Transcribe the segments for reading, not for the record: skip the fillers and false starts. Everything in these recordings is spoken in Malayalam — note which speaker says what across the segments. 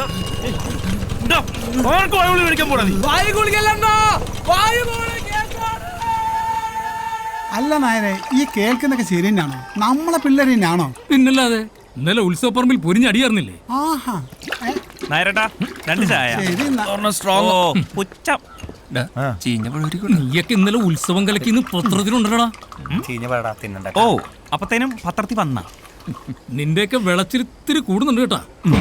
Speaker 1: അല്ല നായരെ, ഈ കേൾക്കുന്നൊക്കെ ശരി തന്നെയാണോ? നമ്മളെ പിള്ളേർ തന്നെയാണോ?
Speaker 2: പിന്നല്ലാതെ ഇന്നലെ ഉത്സവപ്പറമ്പിൽ പൊരിഞ്ഞടിയായിരുന്നില്ലേ?
Speaker 1: ആഹാ,
Speaker 3: നായരട്ടാ 2 ചായ.
Speaker 2: നീയൊക്കെ ഇന്നലെ ഉത്സവം കലക്കിന്ന് പത്രത്തിലുണ്ടടാ.
Speaker 3: ഓ, അപ്പത്തേനും പത്രത്തിൽ വന്ന
Speaker 2: നിന്റെയൊക്കെ വിളച്ചിരിത്തിരി കൂടുന്നുണ്ട് കേട്ടാ.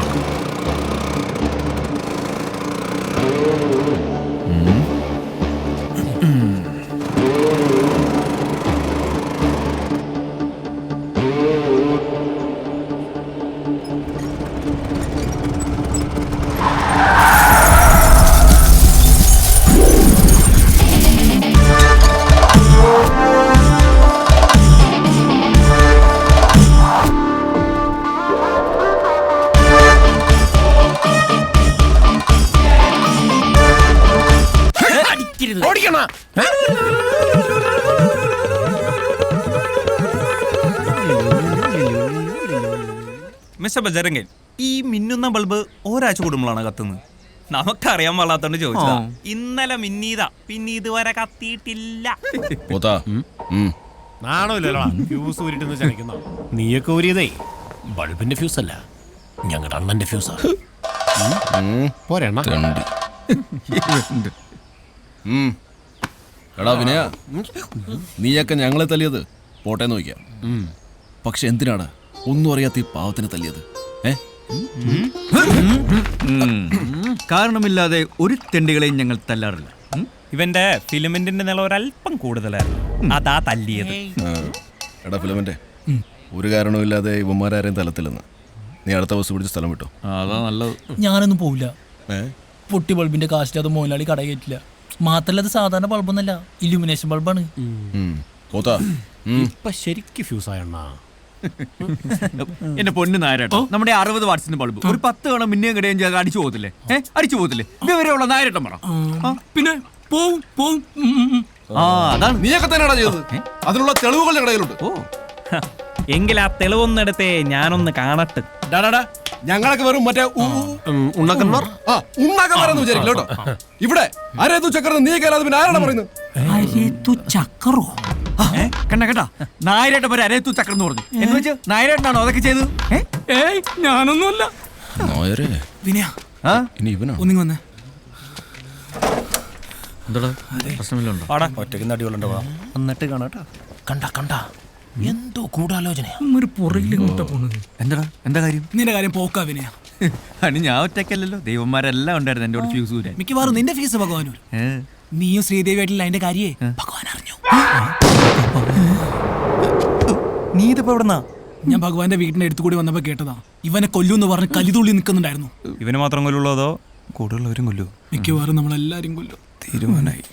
Speaker 3: മിസ്റ്റർ ബജരംഗൻ, ഈ മിന്നുന്ന ബൾബ് ഒരാഴ്ച കൂടുമ്പോഴാണ് കത്തുന്നത്. നമുക്കറിയാൻ പാടാത്തോണ്ട് ചോദിച്ചതാ. ഇന്നലെ മിന്നീതാ, പിന്നെ ഇതുവരെ കത്തിയിട്ടില്ല.
Speaker 4: നീയൊക്കെ ഊരിയതേ ബൾബിന്റെ ഫ്യൂസ് അല്ല, ഞങ്ങളുടെ അണ്ണന്റെ ഫ്യൂസാ. പോരെണ്ണ
Speaker 5: എടാ വിനയ, നീയൊക്കെ ഞങ്ങളെ തല്ലിയത് പോട്ടെ നോക്കാം. പക്ഷെ എന്തിനാണ് ഒന്നും അറിയാത്ത ഈ പാവത്തിനെ തല്ലിയത്?
Speaker 6: കാരണമില്ലാതെ ഒരു തെണ്ടികളെയും ഞങ്ങൾ തല്ലാറില്ല.
Speaker 3: ഇവന്റെ ഫിലിമെന്റിന്റെ നില ഒരല്പം കൂടുതലായിരുന്നു, അതാ തല്ലിയത്.
Speaker 5: എടാ ഫിലമെന്റ്, ഒരു കാരണവുമില്ലാതെ ഇവന്മാരാരെയും തലത്തില്ലെന്ന്. നീ അടുത്ത ബസ് പിടിച്ച് സ്ഥലം വിട്ടോ.
Speaker 6: അതാ നല്ലത്.
Speaker 7: ഞാനൊന്നും പോവില്ല. പൊട്ടി ബൾബിന്റെ കാശിൽ അത് മോലാളി കട കയറ്റില്ല. മാത്രല്ല അത് സാധാരണ ബൾബൊന്നല്ല, ഇലുമിനേഷൻ ബൾബാണ്.
Speaker 4: ഇപ്പൊ ശരിക്കും ഫ്യൂസായണ്ണ.
Speaker 6: എന്റെ പൊന്ന് നായരട്ടോ, നമ്മുടെ 60 വാട്സിന്റെ ബൾബ് ഒരു 10 തവണ മിന്നിയും കിടയും ചെയ്ത് അടിച്ചു പോകത്തില്ലേ? അടിച്ചു പോകത്തില്ലേ? ഇതുവരെയുള്ള നായരട്ടം പറ.
Speaker 2: പിന്നെ പോവും പോവും.
Speaker 6: അതാണ്
Speaker 5: നീയൊക്കെ തന്നെയാണോ ചെയ്തത്? അതിനുള്ള തെളിവുകൾ ഞങ്ങളുടെ കയ്യിലുണ്ട്.
Speaker 3: ഓ, എങ്കിൽ ആ തെളിവൊന്നെടുത്തേ ഞാനൊന്ന് കാണട്ടെ.
Speaker 5: ഞങ്ങളൊക്കെ വെറും മറ്റേ ഉണ്ണാക്കന്മാരെന്ന് വിചാരിക്കില്ല കേട്ടോ. ഇവിടെ അരേതു ചക്രം നീ കേരളത്തിൽ പിന്നെ ആരാണ് പറയുന്നത്?
Speaker 7: ചക്കറോ?
Speaker 6: കണ്ട കേട്ടാ, നായരേട്ട പേര് അരേത്തു ചക്രം എന്ന് പറഞ്ഞു. എന്ന് വെച്ച് നായരേട്ടനാണോ അതൊക്കെ ചെയ്തത്?
Speaker 2: ഏയ്, ഞാനൊന്നുമല്ല.
Speaker 6: വിനയ,
Speaker 5: ഇനി ഇവനോ?
Speaker 6: ഒന്നിങ്ങി വന്നേ.
Speaker 2: എന്താടാ പ്രശ്നമില്ലുണ്ടോ?
Speaker 4: ഒറ്റയ്ക്ക് നടികളുണ്ടോ? എന്നിട്ട് കാണാട്ടാ. കണ്ട എന്തോ ഗൂഢാലോചനയാ.
Speaker 2: ഒരു പുറകിലിങ്ങോട്ടാ പോണത്.
Speaker 6: എന്താ കാര്യം?
Speaker 7: നിന്റെ കാര്യം പോക്കാ വിനയ.
Speaker 6: അനി ഞാൻ ഒറ്റയ്ക്കല്ലല്ലോ, ദൈവന്മാരെല്ലാം ഉണ്ടായിരുന്നു എന്റെ ഫ്യൂസ് ഊരാൻ.
Speaker 7: മിക്കവാറും നിന്റെ ഫീസ് ഭഗവാനൂർ. നീയും ശ്രീദേവിയായിട്ടില്ല അതിന്റെ കാര്യേ ഭഗവാൻ അറിഞ്ഞു.
Speaker 3: നീ ഇതിപ്പോ എവിടെന്നാ?
Speaker 7: ഞാൻ ഭഗവാന്റെ വീടിന്റെ അടുത്ത് കൂടി വന്നപ്പോ കേട്ടതാ. ഇവനെ കൊല്ലൂന്ന് പറഞ്ഞ് കലിതുള്ളി നിൽക്കുന്നുണ്ടായിരുന്നു.
Speaker 3: ഇവന് മാത്രം കൊല്ലുള്ളൂ അതോ കൂടുതലുള്ളവരും കൊല്ലൂ?
Speaker 7: മിക്കവാറും നമ്മളെല്ലാരും കൊല്ലും.
Speaker 3: തീരുമാനായി.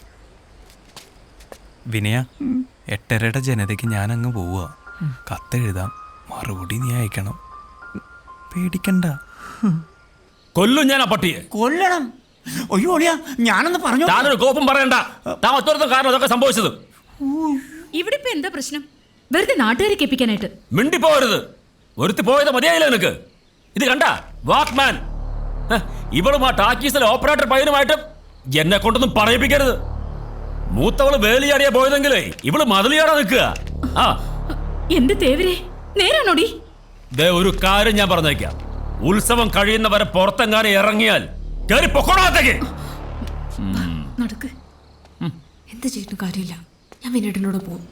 Speaker 3: വിനയ, 8:30 ജനതയ്ക്ക് ഞാനങ്ങ് പോവുക. കത്തെഴുതാം, മറുപടി നീ അയക്കണം. പേടിക്കണ്ട.
Speaker 2: കൊല്ലും ഞാൻ ആ പട്ടിയെ.
Speaker 7: കൊല്ലണം? അയ്യോ ഒളിയാ, ഞാനൊന്ന് പറഞ്ഞു.
Speaker 2: താനൊരു കോപ്പം പറയണ്ട. താൻ ഒറ്റ കാരണം അതൊക്കെ സംഭവിച്ചത്.
Speaker 8: ഇവിടെ ഇപ്പൊ എന്താ പ്രശ്നം? വെറുതെ നാട്ടുകാരെ കേൾപ്പിക്കാനായിട്ട്
Speaker 2: മിണ്ടിപ്പോരുത്. ഒരുത്തി പോയത് മതിയായില്ല നിനക്ക്. ഇത് കണ്ട വാക്മാൻ, ഇവളും ആ ടാക്കീസിലെ ഓപ്പറേറ്റർ പയ്യനുമായിട്ട് എന്നെ കൊണ്ടൊന്നും പറയിപ്പിക്കരുത്. മൂത്തവള് വേലിയാടിയാ പോയതെങ്കിലേ ഇവള് മതിലിയാടാ നിൽക്കുക.
Speaker 8: എന്റെ തേവരെ, നേരാണോടി?
Speaker 2: ഒരു കാര്യം ഞാൻ പറഞ്ഞേക്കാം, ഉത്സവം കഴിയുന്നവരെ പുറത്തെങ്ങാനും ഇറങ്ങിയാൽ കേറി പൊക്കോളാത്തേക്ക്.
Speaker 8: നടക്ക്. എന്ത് ചെയ്തിട്ടും കാര്യമില്ല, ഞാൻ വിനേട്ടനോട് പോകും.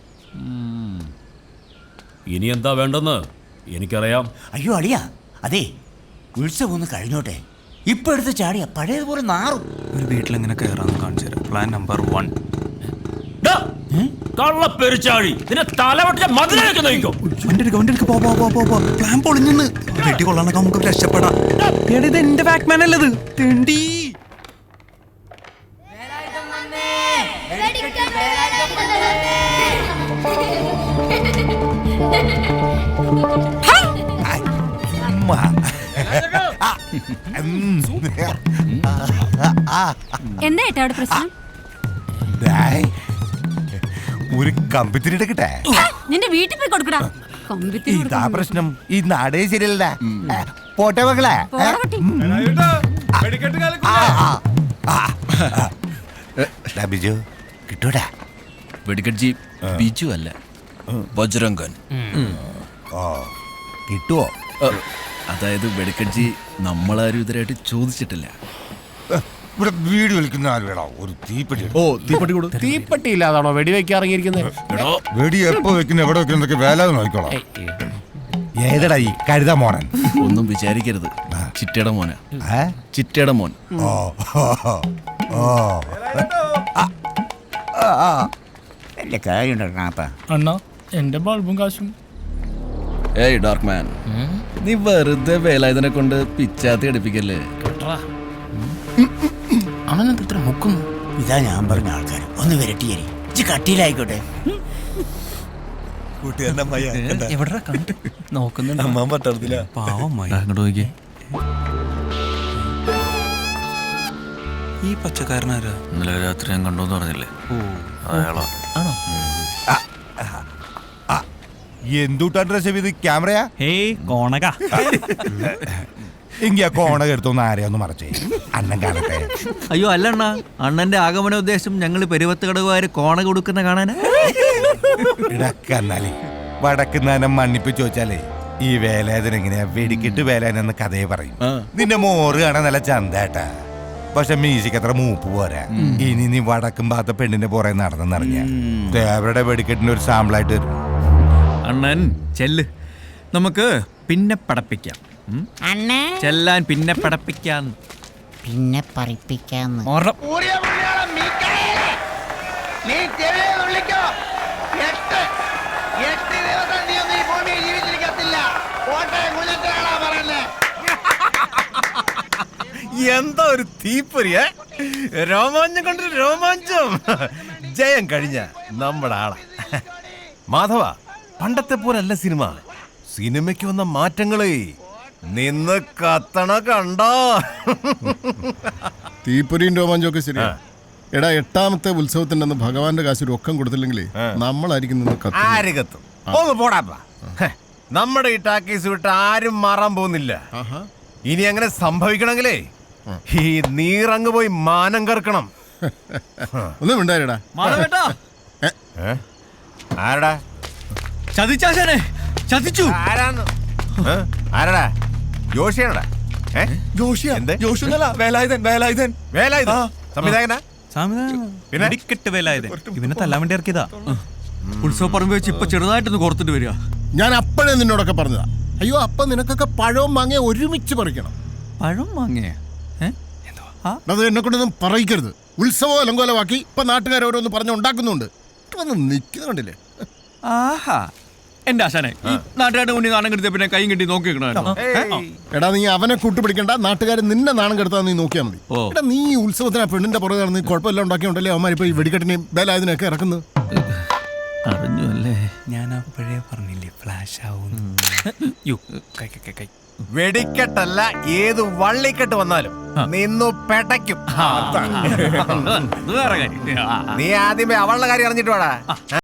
Speaker 2: ഇനി എന്താ വേണ്ടെന്ന് എനിക്കറിയാം.
Speaker 9: അയ്യോ അളിയാ, അതെ ഉത്സവം ഒന്ന് കഴിഞ്ഞോട്ടെ. ഇപ്പൊ എടുത്ത് ചാടിയ പഴയതുപോലെ നാറും.
Speaker 3: ഒരു വീട്ടിലെങ്ങനെ കയറാന്ന് കാണിച്ചു തരാം. Plan number 1.
Speaker 2: കള്ളപ്പെരിച്ചാഴി, നിന്നെ തലവെട്ടിയ മതിലേക്ക് നയിക്കും.
Speaker 1: പ്ലാൻ പൊളിഞ്ഞെന്ന് വെട്ടി കൊള്ളാനൊക്കെ നമുക്ക് രക്ഷപ്പെടാം.
Speaker 3: ഇത് എന്റെ ബാക്ക്മാൻ അല്ലത്, തെണ്ടി.
Speaker 8: എന്താ ഏട്ടാ അവിടെ പ്രശ്നം?
Speaker 9: ഒരു കമ്പിത്തിരി എടുക്കട്ടെ?
Speaker 8: നിന്റെ വീട്ടിൽ പോയി കൊടുക്കടാ.
Speaker 9: ഇതാ പ്രശ്നം. ഈ നാടേ ശരിയല്ല. പോട്ടെ മക്കളെ. ബിജു കിട്ടൂടാ.
Speaker 5: വെടിക്കട്ജി ബിജു അല്ല, ബജ്രംഗൻ.
Speaker 9: കിട്ടുവോ?
Speaker 5: അതായത് വെടിക്കട്ജി നമ്മളാരും ഇതുവരെയായിട്ട് ചോദിച്ചിട്ടില്ല.
Speaker 10: ഇവിടെ വീട് വലിക്കുന്ന ആരുവേടാ ഒരു തീപ്പെട്ടി.
Speaker 5: ഓ, തീപ്പെട്ടി കൊടു.
Speaker 4: തീപ്പെട്ടി ഇല്ലാതാണോ വെടിവെക്കാൻ ഇറങ്ങിയിരിക്കുന്നത്?
Speaker 10: വെടി എപ്പോ വെക്കുന്ന എവിടെ വെക്കുന്നതൊക്കെ വേലാതെ നോക്കിക്കോളാം. ഏതടാ ഈ കഴുത മോനൻ?
Speaker 5: ഒന്നും വിചാരിക്കരുത്, ചിറ്റയുടെ മോനാ. ചിറ്റയുടെ മോൻ.
Speaker 10: ഓ ഓ
Speaker 9: വലിയ കാര്യമുണ്ടാ.
Speaker 7: അണ്ണാ എന്റെ ബൾബും കാശും.
Speaker 5: ഏയ് ഡാർക്ക് മാൻ, നീ വെറുതെ വേലായുധനെ കൊണ്ട് പിച്ചാത്തി അടിപ്പിക്കല്ലേ.
Speaker 7: അണ്ണനെന്ത് ഇത്ര മുക്കുന്നു?
Speaker 9: ഇതാ ഞാൻ പറഞ്ഞ ആൾക്കാർ ഒന്ന് വരട്ടിയേരി കട്ടിയിലായിക്കോട്ടെ.
Speaker 7: എവിടെ കണ്ടു നോക്കുന്നുണ്ട്?
Speaker 3: അങ്ങോട്ട് നോക്കിയേ. ഈ പച്ചക്കാരനാരാ?
Speaker 2: ഇന്നലെ രാത്രി ഞാൻ കണ്ടോന്ന് പറഞ്ഞില്ലേ, അയാളാ.
Speaker 7: ആണോ?
Speaker 10: എന്തുട്ടാ ഡ്രസ് ചെയ്ത് ക്യാമറയാ?
Speaker 3: ഹേയ് കോണക.
Speaker 10: എങ്കി ആ കോണക എടുത്തൊന്ന് ആരെയൊന്ന് മറച്ചേ, അണ്ണൻ കാണട്ടെ.
Speaker 6: അയ്യോ അല്ലണ്ണ, അണ്ണന്റെ ആഗമന ഉദ്ദേശം ഞങ്ങൾ പെരുവത്ത് കടകുകാര് കോണ കൊടുക്കുന്ന കാണാനാ.
Speaker 10: ഇടക്കന്നാലേ വടക്കുന്നാനം മണ്ണിപ്പിച്ച് ചോദിച്ചാലേ ഈ വേലായുധൻ എങ്ങനെയാ വെടിക്കിട്ട് വേലായനെന്ന് കഥയെ പറയും. നിന്റെ മോറ് കാണാൻ നല്ല ചന്തേട്ടാ, പക്ഷെ മ്യൂസിക് അത്ര മൂപ്പ് പോരാ. ഇനി നീ വടക്കും ഭാഗത്തെ പെണ്ണിന്റെ പുറകെ നടന്നെന്നറിഞ്ഞ ദേവരുടെ വെടിക്കെട്ടിന്റെ ഒരു സാമ്പിളായിട്ട് വരും.
Speaker 6: അണ്ണൻ ചെല്ല്, നമുക്ക് പിന്നെ പടപ്പിക്കാം. ചെല്ലാൻ പിന്നെ പടപ്പിക്കാം.
Speaker 9: പിന്നെ പറയിപ്പിക്കാന്ന്.
Speaker 4: എന്താ ഒരു തീപ്പൊരിയ രോമാഞ്ചം കണ്ടൊരു രോമാഞ്ചം. ജയം കഴിഞ്ഞ നമ്മുടെ ആളാ മാധവ. പണ്ടത്തെ പോലല്ല സിനിമ. സിനിമയ്ക്ക് വന്ന മാറ്റങ്ങളെ നിന്ന് കത്തണ കണ്ടോ.
Speaker 11: തീപ്പൊരിയും രോമാഞ്ചൊക്കെ ശരിയാ. എടാ, 8ാമത്തെ ഉത്സവത്തിന്റെ അന്ന് ഭഗവാന്റെ കാശ് രൊക്കം കൊടുത്തില്ലെങ്കിൽ നമ്മളായിരിക്കും നിന്ന് കത്തുന്നത്.
Speaker 4: ആര് കത്തും? ഒന്ന് പോടാപ്പാ. നമ്മുടെ ഈ ടാക്കീസ് വിട്ട് ആരും മാറാൻ പോകുന്നില്ല. ഇനി അങ്ങനെ സംഭവിക്കണമെങ്കിലേ ഈ നീറങ്ങ് പോയി മാനം കറക്കണം.
Speaker 11: ഒന്നും ഉണ്ടായിരടാ.
Speaker 4: ആരടാ
Speaker 6: ചതിച്ചാശാനെ, ചതിച്ചു.
Speaker 4: ആരാന്ന്? ആരടാ? ജോഷിയാണടാ?
Speaker 3: വേലായുധൻ വേലായുധൻ
Speaker 4: വേലായുധൻ സംവിധായകനാ?
Speaker 3: പിന്നെ വെടിക്കെട്ട് വേലായുധൻ. ഇവനെ തല്ലാൻ വേണ്ടി ഇറക്കിയതാ.
Speaker 6: ഉത്സവ പറമ്പ് വെച്ച് ഇപ്പൊ ചെറുതായിട്ടൊന്ന് കോർത്തിട്ട് വരിക.
Speaker 11: ഞാൻ അപ്പോഴേ നിന്നോടൊക്കെ പറഞ്ഞതാ. അയ്യോ, അപ്പൊ നിനക്കൊക്കെ പഴവും മാങ്ങ ഒരുമിച്ച് പറിക്കണം.
Speaker 6: പഴം വാങ്ങിയ
Speaker 11: അത് എന്നെ കൊണ്ടൊന്നും പറയിക്കരുത്. ഉത്സവം അലങ്കോലമാക്കി ഇപ്പൊ നാട്ടുകാരോരോന്ന് പറഞ്ഞു ഉണ്ടാക്കുന്നുണ്ട്. വന്ന് നിൽക്കുന്ന കണ്ടില്ലേ?
Speaker 6: ആഹാ, എന്റെ ആശാനെ, നാട്ടുകാരുടെ മുന്നിൽ നാണം കെടുത്തിയ പിന്നെ കൈയും കെട്ടി നോക്കിക്കണോ?
Speaker 11: എടാ, നീ അവനെ കൂട്ടുപിടിക്കണ്ട. നാട്ടുകാർ നിന്നെ നാണം കെടുത്താൻ നീ നോക്കിയാൽ മതി. എടാ, നീ ഈ ഉത്സവത്തിന് ആ പെണ്ണിന്റെ പുറകെ നടന്ന് കുഴപ്പമെല്ലാം ഉണ്ടാക്കിയോണ്ടല്ലേ അവന്മാരിപ്പോ ഈ വെടിക്കെട്ടിനെയും വേലായുധനെയൊക്കെ ഇറക്കുന്നത്.
Speaker 6: അറിഞ്ഞു അല്ലേ?
Speaker 3: ഞാൻ അപ്പോഴേ പറഞ്ഞില്ലേ ഫ്ലാഷ് ആവും.
Speaker 4: വെടിക്കെട്ടല്ല, ഏത് വള്ളിക്കെട്ട് വന്നാലും നിന്നു പെടയ്ക്കും.
Speaker 6: അത് വേറെ കാര്യം.
Speaker 4: നീ ആദ്യമേ അവളുടെ കാര്യം അറിഞ്ഞിട്ട് വേടാ.